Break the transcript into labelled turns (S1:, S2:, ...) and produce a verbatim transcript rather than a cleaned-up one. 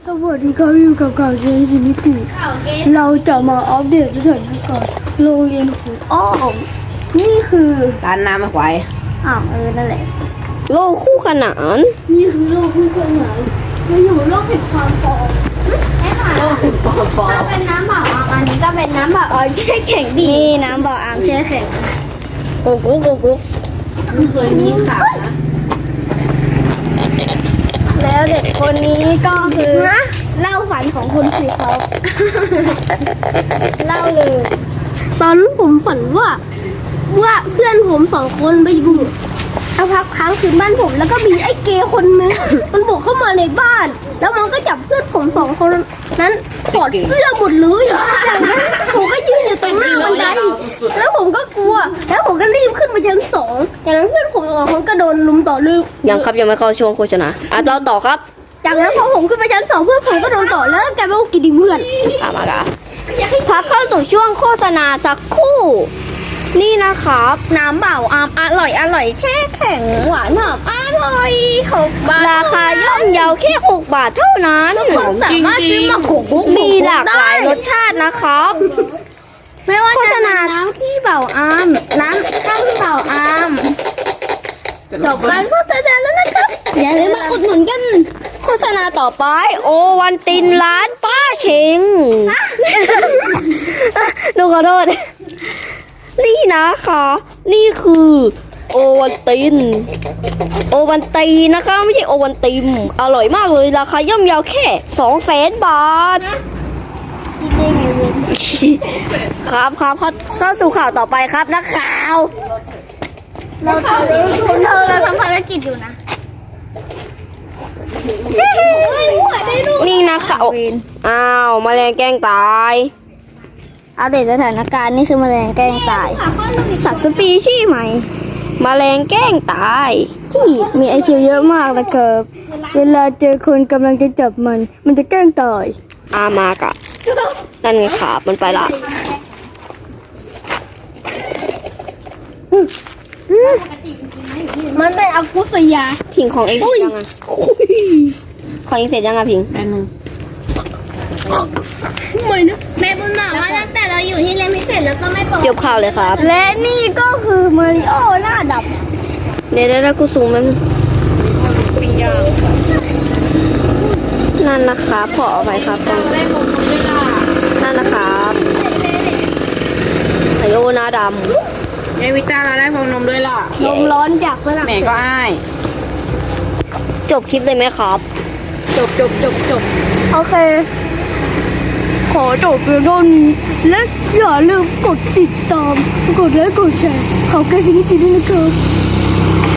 S1: วัสดีครับอยู่กับข่าวเชนซินิติเราจะมาอัปเดตสถานการณ์โรงเรียนของอ้อมนี่คือ
S2: ร้านน้ำไม่ควาย
S1: อ่าวเออนั่นแหละ
S3: โลกคู่ขนาน
S1: นี่คือโลกคู่ขนานเราอยู่โลกแห่งความปลอม
S4: ไอ้ค่ะ
S2: โอ้โหปอปอ
S4: ถ้าเป็นน้ำเปล่าอ่ะอันนี้ก็เป็นน้ำเปล่าเออแช่แข็งดี
S1: นี่น้ำบ่ออ่างแช่แข็ง
S3: โกโก้โกโก้
S2: ไม่เคยมีข่าวนะ
S1: แล้วเด็กคนนี้ก็คือเล่าฝันของคุณสิครับ เล่าเลย ตอนนั้นผมฝันว่า ว่าเพื่อนผมสองคนไปอยู่สักพักค้างคืนบ้านผมแล้วก็มีไอ้เกย์คนนึง มันบุกเข้ามาในบ้าน แล้วมันก็จับเพื่อนผมสองคนนั้นถอดเสื้อหมดเลยจากนั้นผมก็ยืนอยู่ตรงหน้าบันไดแล้วผมก็กลัว แล้วผมก็รีบขึ้นไปชั้นสองจากนั้นเพื่อนผมสองคนก็โดนลุมต่อเลย
S3: ยังครับยังไม่เข้าช่วงโฆษณาอ่ะเราต่อครับ
S1: จากนั้นพอผมขึ้นไปชั้นสองเพื่อนผมก็โดนต่อแล้วก็กลายเป็นว่ากินดิเพื่อน
S3: อ่ะมากะพักเข้าสู่ช่วงโฆษณาสักครู่ นี่นะครับ
S4: น้ำเปล่าอ่ะอร่อยอร่อยแช่แข็งหวานหอมอร่อยหกบาท
S3: ราคาย่อมเยาแค่หกบาทเท่านั้น
S4: สามารถซื้อมาขกุ๊ก
S3: มีหลากหลายรสชาตินะครับ
S4: ไม่ว่า
S3: โฆษ
S4: จะ
S3: ณา
S4: น้ำที่เปล่าอามน้ำข้าวเปล่าอามจบการโฆษณาแล้วนะครับอย่าลืมมาอุดหนุนกัน
S3: โฆษณาต่อไป โอวันตินร้านป้าเชงหนูขอโทษ นี่นะคะ นี่คือโอวันติน โอวันตีนะคะไม่ใช่โอวันติม อร่อยมากเลย ราคาย่อมเยาวแค่สองแสนบาท ครับครับเข้าเข้าสู่ข่าวต่อไปครับนักข่าว
S4: เราทำคุณเธอเราทำภารกิจอยู่นะ
S3: นี่นะข่าวอ้าวแมลงแกล้งตาย
S1: อัปเดตสถานการณ์นี่คือแมลงแกล้งตาย สัตว์สปีชีส์ใหม่
S3: แมลงแกล้งตาย
S1: ที่มีไอคิวเยอะมากนะครับ เวลาเจอคนกำลังจะจับมัน มันจะแกล้งตาย
S3: อามากะนั่นไงครับมันไปละ
S1: มันเป็นอากุสยา
S3: พิงของเองเสร็จยังอ่ะของเองเสร็จยังอ่ะพิง
S2: แป๊บนึง
S4: แม่บุญบอกว่าตั้งแต่เราอยู่ที่เรียนพิเศษแล้วก็ไม่ปก
S3: จบข่าวเลยครับ
S1: และนี่ก็คือมาริโอหน้าดับ
S3: เดี๋ยวเดี๋ยวกูสูงมันนั่นนะครับขอเอาไปครับตรงนั่นนะครับไอโอหน้าด
S2: ยายวิต้าเราได้พรมนมด้วยล่ะ
S1: ลมร้อนจากฝรั่ง
S2: แม่
S1: เศส
S2: ก็อ้าย
S3: ำจบคลิปเลยไหมครับ
S2: จบจบจบจบ
S1: โอเค ขอจบเพียงเท่านี้ และอย่าลืมกดติดตาม กดไลค์กดแชร์ขอแก้สิ่งที่ดีด้วยนะครับ